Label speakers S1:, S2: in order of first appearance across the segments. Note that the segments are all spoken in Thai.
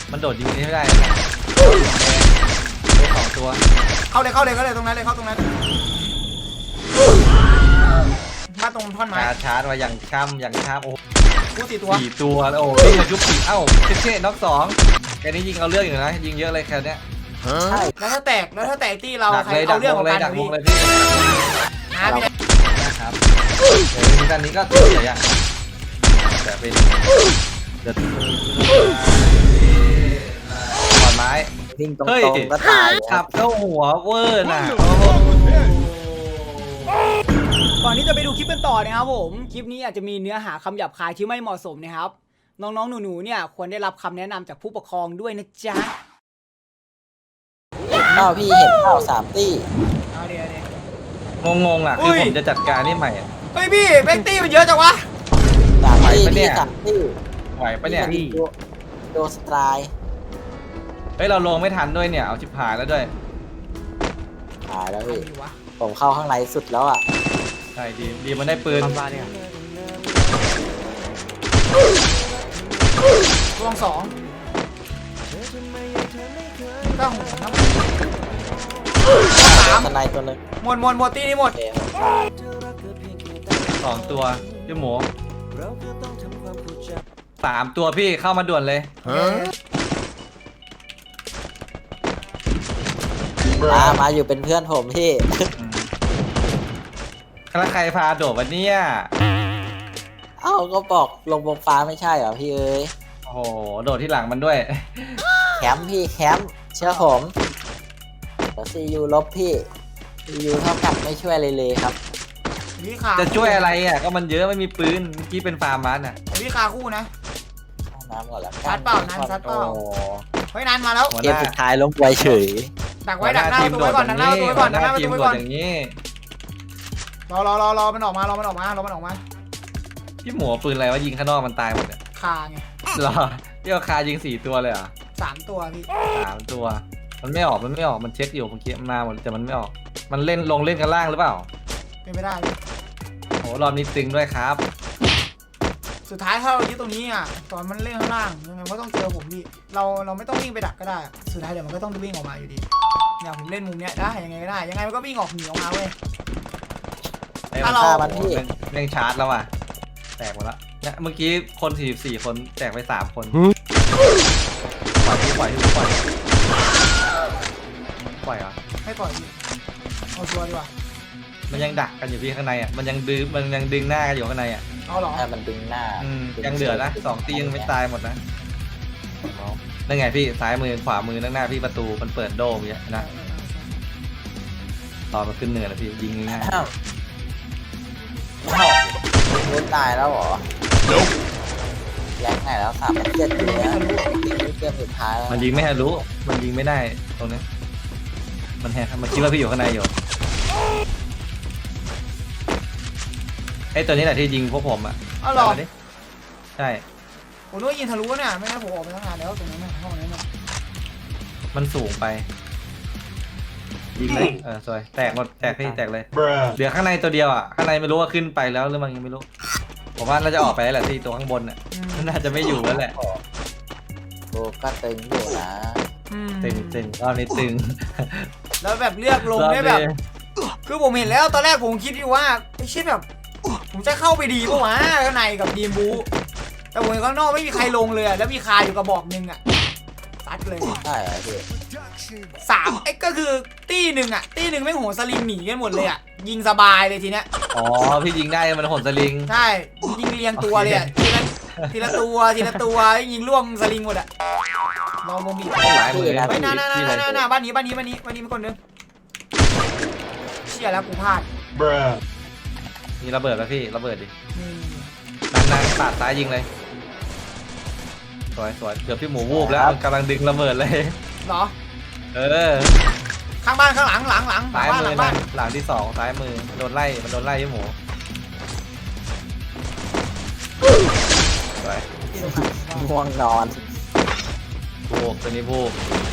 S1: มันโดดยิงไม่ได้เลยสองตัว
S2: เข้าเลยตรงนั้นเลยเข้าตรงนั้นมาตรงท่อนไม้
S1: ชาร์จมาอย่างช้ำโอ้
S2: กู4 ตัว
S1: แล้วโอ้วิ่งมายุบสี่เอ้าเท่น็อก2แค่นี้ยิงเอาเรื่องอยู่นะยิงเยอะเลยแค่นี้
S2: ใช่แล้วถ้าแตกที่เราใครเอาเรื่องของการ
S1: ดักวงเลยพี่
S2: พี่
S1: นะครับเดี๋ยวทีนี้ก็ตัวใหญ่อะแต่เป็นเดือดขอนไม้
S3: วิ่งตรงๆก็ตาย
S1: ขับเข้าหัวเวอร์น่ะ
S2: ก่อนที่จะไปดูคลิปกันต่อนะครับผมคลิปนี้อาจจะมีเนื้อหาคำหยาบคายที่ไม่เหมาะสมนะครับน้องๆหนูๆเนี่ยควรได้รับคำแนะนำจากผู้ปกครองด้วยนะจ๊ะ
S3: พี่เห็นข้าว3 ตี้
S2: เอาเดี๋ยว
S1: งงอ่ะคือผมจะจัดการนี่ใหม่
S2: เฮ้ยพี่แบ็กตี้มันเยอะจังวะ
S3: 3 ตี้พี่3 ตี้
S1: ไหวปะเนี่ย
S3: โดสไตร์
S1: เฮ้ยเราลงไม่ทันด้วยเนี่ยเอาชิบหายแล้วด้วย
S3: หายแล้วพี่ผมเข้าข้างในสุดแล้วอ่ะ
S1: ใช่ดีมันได้ปืน
S2: รวง2ก็หัวน้
S3: 3ในตัวนึง
S2: หมดตีนี่หมด
S1: 2 ตัวพี่หมู3 ตัวพี่เข้ามาด่วนเลย
S3: มาอยู่เป็นเพื่อนผมพี่
S1: แล้วใครพาโดดวันนี้
S3: ก็บอกลงบนฟ้าไม่ใช่เหรอพี่เอ้ย
S1: โอ้โหโดดที่หลังมันด้วย
S3: แคมป์พี่แคมป์เชื่อผมซียูลบพี่ซียูเท่ากับไม่ช่วยเลยครับ
S1: จะช่วยอะไรก็มันเยอะไม่มีปืนเมื่อกี้เป็นฟาร์มมัน
S2: พี่คาคู่นะ
S3: น้ำก่อนแล้ว
S2: ซัดเปล่าเฮ้ยนานมาแล้ว
S3: เกมสุดท้ายล้มไวเฉย
S2: ดักไว้ดักหน้าตัวไว้ก่อนดักหน้าตัวไว้ก่อนดักหน้าตัวไว้ก่อนอย่างนี้รอมันออกมา
S1: พี่หมูปืนอะไรวะยิงข้างนอกมันตายหมดเนี่ย
S2: คาไง
S1: รอพี่เอาคายิง4 ตัวเลยเหรอ
S2: 3 ตัวพี่
S1: 3 ตัวมันไม่ออกมันเช็คอยู่เมื่อกี้มันมาหมดแต่มันไม่ออกมันเล่นลงเล่นกันล่างหรือเปล่า
S2: ไม่ได้
S1: โอ้รอบนี้ตึงด้วยครับ
S2: สุดท้ายถ้าเรายึดตรงนี้ตอนมันเล่นข้างล่างยังไงก็ต้องเจอผมพี่เราไม่ต้องวิ่งไปดักก็ได้สุดท้ายเดี๋ยวมันก็ต้องวิ่งออกมาอยู่ดีเนี่ยผมเล่นมุมเนี้ยได้ยังไงก็ได้ยังไงมันก็วิ่งออกหนีออกมาเว้ย
S1: ถ้าเราเล่นชาร์จแล้วแตกหมดแล้วเนี่ยเมื่อกี้คน44 คนแตกไป3 คนปล่อยเหรอ
S2: ให้ปล่อยพี่เอาชัวร์ดีกว่า
S1: มันยังดักกันอยู่พี่ข้างในมันยังดึงหน้ากันอยู่ข้างใน
S2: เอาหรอ
S3: มันดึงหน้า
S1: ยังเหลือนะ2 ตียังไม่ตายหมดนะนั่นไงพี่ซ้ายมือขวามือหน้าพี่ประตูมันเปิดโด่งอย่างนี้นะตอนมันขึ้นเหนือแล้วพี่ยิงง่าย
S3: รู้ตายแล้วเหรอแรงไหนแล้ว3 7อยู่นะเกมสุดท้ายแล้ว
S1: มันยิงไม่ทะลุมันยิงไม่ได้ตรงนี้มันแหกมันคิดว่าพี่อยู่ข้างในอยู่ไอ้ตัวนี้แหละที่ยิงพวกผม
S2: อ๋อหรอ
S1: ใช่
S2: ผมนึกว่ายิงทะลุเนี่ยไม่งั้นผมออกไปตั้งนานแล้วตรงนั้นห้องนั้น
S1: มันสูงไปยิงเลยสวยแตกหมดแตกพี่แตกเลยเหลือข้างในตัวเดียวข้างในไม่รู้ว่าขึ้นไปแล้วหรือมันยังไม่รู้ผมว่าน่าจะออกไปแล้วแหละที่ตัวข้างบนน่าจะไม่อยู่แล้วแหละ
S3: โอ้ก็ตึงอยู่นะ
S1: ตึงรอบนี้ตึง
S2: แล้วแบบเลือกลงได้แบบคือผมเห็นแล้วตอนแรกผมคิดอยู่ว่าไม่ใช่แบบผมจะเข้าไปดีป่ะวะข้างในกับดีมบูแต่ผมข้างนอกไม่มีใครลงเลยแล้วมีคาอยู่กระบอกนึงซัดเลย
S3: ใช่พี่
S2: 3ก็คือตีหนึ่งไม่โหนสลิงหนีกันหมดเลยยิงสบายเลยทีเนี้ย
S1: พี่ยิงได้มันโหนสลิง
S2: ใช่ยิงเรียงตัวเลยทีละตัวยิงล่วงสลิงหมดลองมองบีบไปหน้าบ้านนี้มันคนนึงเชี่ยแล้วกูพลาด
S1: มีระเบิดแล้วพี่ระเบิดดินานปาดซ้ายยิงเลยสวยเกือบพี่หมูวูบแล้วกำลังดึงระเบิดเลย
S2: เหรอข้างบ้านข้างหลัง
S1: ซ้ายมือหลังที่2ซ้ายมือมันโดนไล่พี่หมูสวย
S3: ง่วงนอน
S1: วูบตัวนี้วูบ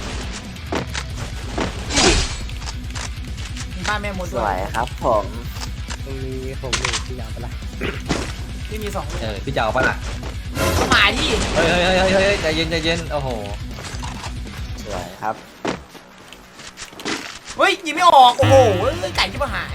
S2: บ้านแม่มด
S3: สวยครับผม
S4: ตรงนี้ผมมีที่ยาวไปละ
S2: ที่มี2
S1: พี่จะเอาปะล่ะ
S2: ก็หมายที่
S1: เฮ้ยใจเย็นใจเย็นโอ้โห
S3: สวยครับ
S2: เฮ้ยยิงไม่ออกโอ้โหไก่ที่มาหาย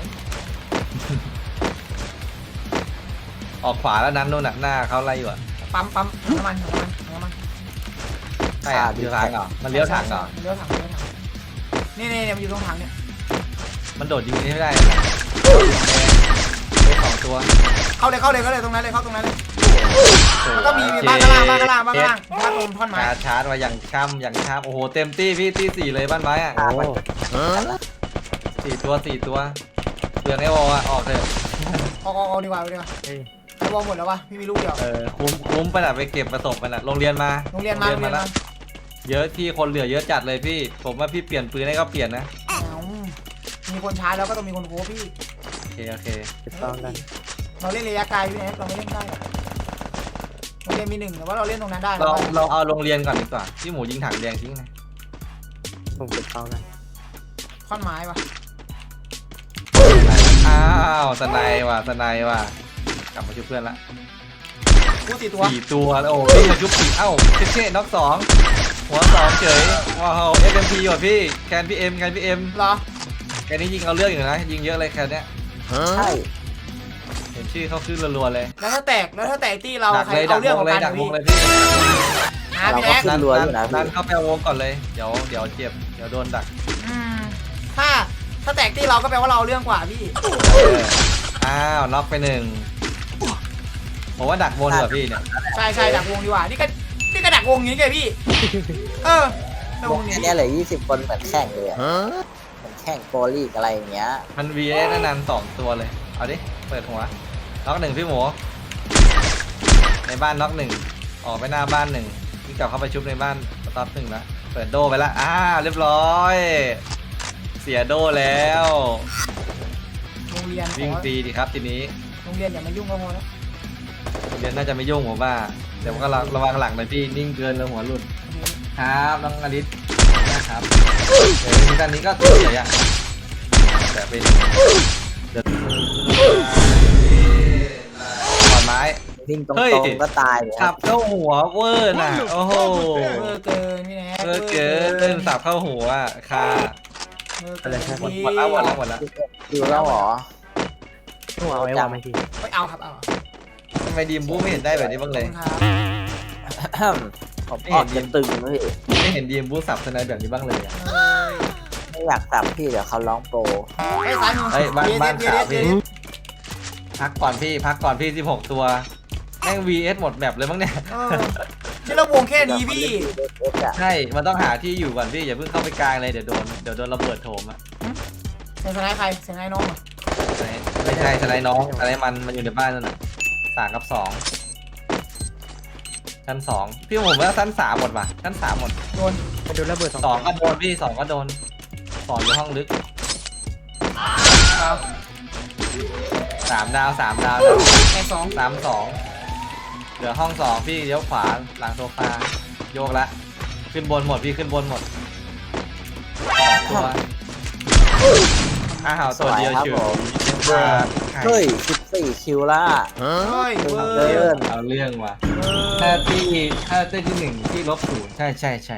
S1: ออกขวาแล้วนั้นนู่นน่ะหน้าเขาไล่อยู่อะ
S2: ปั๊มน้ำมัน
S1: ใช่อะเลี้ยวทางเหรอมันเลี้ยวทางเหรอ
S2: เลี้ยวถังนี่มันอยู่ตรงถังเนี่ย
S1: มันโดดยิงนี่ไม่ได้ได้สองตัว
S2: เข้าเลยตรงนั้นเลยเข้าตรงนั้นเลยแล้วก็มีบ้านข้างล่างบ้านตรงท่อนไม้
S1: ชาร์จมาอย่างช้ำโอ้โหเต็มตี้พี่ตี้4เลยบ้านไม้อะ
S3: โอ้
S1: 4 ตัวเปลืองไอ้วอลอะออกเถอะ
S2: เอาดีกว่าไอ้วอลหมดแล้ววะพี่มีลูกเดียว
S1: คุ้มไปน่ะไปเก็บประสบไปน่ะโรงเรียนมา
S2: โรงเรียนมา
S1: แล้วเยอะที่คนเหลือเยอะจัดเลยพี่ผมว่าพี่เปลี่ยนปืนให้ก็เปลี่ยนนะ
S2: มีคนช้าแล้วก็ต้องมีคนโค้พี่
S1: โอเค
S2: เราเล่นระยะไกลพี่แอ๊เราไม่เล่นได้โรงเรียนมี1แต่ว่าเราเล่นตรงนั้นได้
S1: เราเอาโรงเรียนก่อนดีกว่าพี่หมูยิงถังแดงทิ้งนะ
S3: ผมเก็บเป้ากัน
S2: ท่อนไม้ปะ
S1: อ้าวสไนว่ะกลับมาช่วยเพื่อนละ
S2: กู4 ตัว
S1: 4 ตัวโอ้พี่มาชุบ4เอ้าเท่น็อก2หัว2เฉยว้าว FMP ว่ะพี่แคนพี่เอ็ม
S2: เหรอ
S1: แคนนี้ยิงเอาเรื่องอยู่นะยิงเยอะเลยแคนเนี้ย
S3: ใช่
S1: เห็นชื่อเขาขึ้นรัวๆเลย
S2: แล้วถ้าแตกที่เรา
S1: ดัก
S2: ใคร
S1: เลย
S2: เอาเรื่องของ
S1: ดั
S2: กั
S1: ก
S2: น
S1: วง
S2: พี่
S1: เลยพี่
S2: พี่แอ๊
S3: ขึ้นรัวอยู่นะ
S1: ดั
S3: พี่
S1: นเข้าไปวงก่อนเลยเดี๋ยวเจ็บเดี๋ยวโดนดัก
S2: ถ้าแตกที่เราก็แปลว่าเราเอาเรื่องกว่าพี่
S1: อ้าวน็อกไป1ผมว่าดักวงดีกว่าพี่เนี่ย
S2: ใช่ดักวงดีกว่านี่ก็ดักวงอย่างนี้ไงพี่ดักวงนี้
S3: อันนี้เหลือ20 คนเหมือนแข่งเลยอะเหมือนแข่งโปรลีกอะไรอย่างเงี้ย
S1: มัน VS นาน2ตัวเลยเอาดิเปิดหัวน็อก1พี่หมูในบ้านน็อก1ออกไปหน้าบ้าน1วิ่งกลับเข้าไปชุบในบ้านสต็อป1แล้วเปิดโดไปละเรียบร้อยเสียโดแล้ว
S2: โรงเรียน
S1: วิ่งฟรีดิครับทีนี้
S2: โรงเรียนอย่ามายุ่งกับโมนะ
S1: เรียนน่าจะไม่ยุ่งผมว่าแต่ว่าก็ระวังหลังหน่อยพี่นิ่งเกินแล้วหัวหลุดครับน้องอลิสนะครับเดี๋ยวด้านนี้ก็ตัวใหญ่ยังแต่เป็นขอนไม้
S3: วิ่งตร
S1: เฮ้ย
S3: งๆก็ตายเลย
S1: สับเข้าหัวเวอร์น่ะโอ้โห
S2: เกินพี่แนท
S1: เกินเล่นสับเข้าหัวค่ะหมดแล้ว
S3: ดูแล้วเหรอ
S4: หัวเอาไว้วางไม่ที
S2: ไม่เอาครับเอา
S1: ทำไมดีมบูไม่เห็นได้แบบนี้บ้างเลย
S3: ผมออกจะตึงเลย
S1: ไม่เห็นดีมบูสับสไนแบบนี้บ้างเลยอะ
S3: ไม่อยากสับพี่เดี๋ยวเขาร้องโปร
S2: ไอ้สายมือ
S1: เฮ้ยบ้านขาวพี่พักก่อนพี่16ตัวแม่ง VS หมดแบบเลยมั้งเนี่ย
S2: ที่เราวงแค่นี้พี่
S1: ใช่ มันต้องหาที่อยู่ก่อนพี่อย่าเพิ่งเข้าไปกลางเลยเดี๋ยวโดนระเบิดโถมอ่ะ
S2: เสียงสไนใครเสียงไอ้น้อง
S1: ไม่ใช่สไนน้องอะไรมันอยู่ในบ้านนั่นน่ะ3 กับ 2ชั้น2พี่ผมว่าชั้น3หมดว่ะชั้น3หมด
S2: โดน
S4: ไปโดนระเบิด2
S1: 2ก็โดนพี่2ก็โดน2อยู่ห้องลึก3 ดาว
S2: ไอ้2
S1: 3 2เหลือห้อง2พี่เลี้ยวขวาหลังโซฟาโยกละขึ้นบนหมดพี่ขึ้นบนหมดตัวตัวเดียวชิว
S3: เฮ้ย14 คิวละ
S2: เฮ้ย
S3: เดิน
S1: เอาเรื่องว่ะถ้าที่1ที่-0ใช่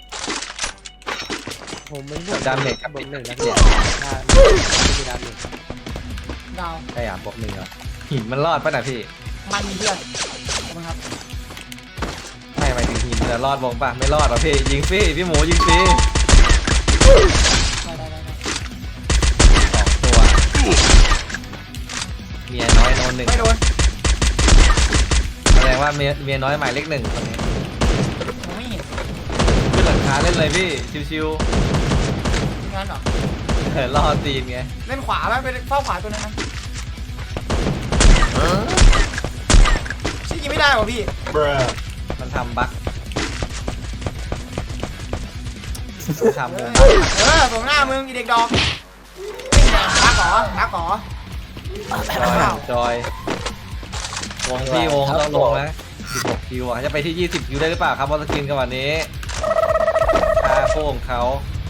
S4: ผมไม่
S1: ดาเมจกับ
S4: บวก 1
S1: นะ
S4: นะ
S1: เนี่
S4: เนี่ย ยไม่มีดาเมจ
S2: ดาว
S1: ใช่บวก1เหรอหินมันรอดป่ะน่ะพี่
S2: มันมีเพื่อนขอบคุณครับ
S1: ไม่หมายถึงหินจะรอดวงป่ะไม่รอดหรอพี่ยิงฟรีพี่หมูยิงฟรี
S2: ได้
S1: 2 ตัวเมียน้อยโนน1
S2: ไม่โดน
S1: แสดงว่าเมียน้อยหมายเลข1คนนี้
S2: ผมไม่เห็น
S1: ขึ้นหลังคาเล่นเลยพี่ชิว
S2: งานหรอ
S1: ๆล่อตีนไง
S2: เล่นขวาบ้างไปเฝ้าขวาตัวนั้นนะชี้ยิงไม่ได้ป่ะพี่
S1: มันทำบั๊กทำเลย
S2: ส่งหน้ามึงอีเด็กดอกรักหรอ
S1: จอยวงพี่วงต้องลงนะ16 คิวอ่ะจะไปที่20 คิวได้หรือเปล่าครับบอลสกินกันวันนี้คาโค้งเขา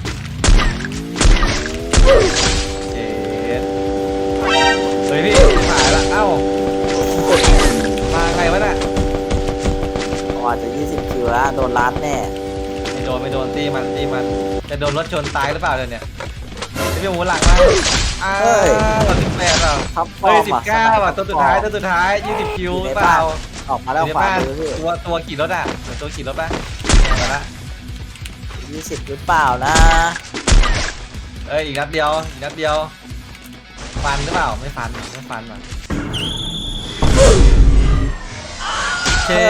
S1: เฮ้ยพี่หายละเอ้ามาไงวะน่ะ
S3: อ่อนอาจจะ20คิวแล้วโดนล้านแน่
S1: ไม่โดนตีมันจะโดนรถชนตายหรือเปล่าเนี่ยพี่หมูหลังมาเรา18เปล่า
S3: ท็อปฟอ
S1: เฮ้ย
S3: ร์ม
S1: 19อ่ะตัวสุดท้าย20คิวหรือเปล่า
S3: ออกมาแล้วขวามือพี่
S1: ตัวขี่รถอ่ะเหมือนตัวขี่รถป่ะมาละ
S3: 20หรือเปล่านะ
S1: เอ้ยอีกนัดเดียวฟันหรือเปล่าไม่ฟันว่ะเช่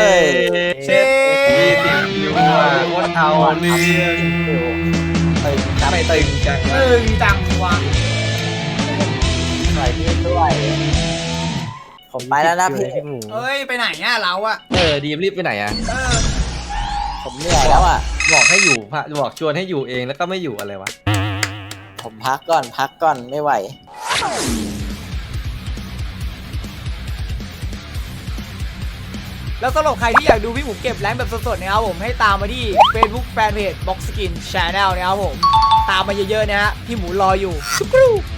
S1: 20คิวอ่ะโคตรเอาเรื่อง ไม่ตึงจัง
S2: จังวะ
S3: ใส่พี่ด้วย ผมไปแล้วนะพี่
S4: พี่หมู
S2: เอ้ยไปไหนอ่ะเราอ่ะ
S1: ดีมรีบไปไหนอ่ะ
S3: ผมเหนื่อยแล้วอ่ะ
S1: บอกให้อยู่บอกชวนให้อยู่เองแล้วก็ไม่อยู่อะไรวะ
S3: ผมพักก่อนไม่ไหว
S2: แล้วสำหรับใครที่อยากดูพี่หมูเก็บแรงค์แบบสดๆนะครับผมให้ตามมาที่ Facebook Fanpage Box Skin Channel นะครับผมตามมาเยอะๆนะฮะพี่หมูรออยู่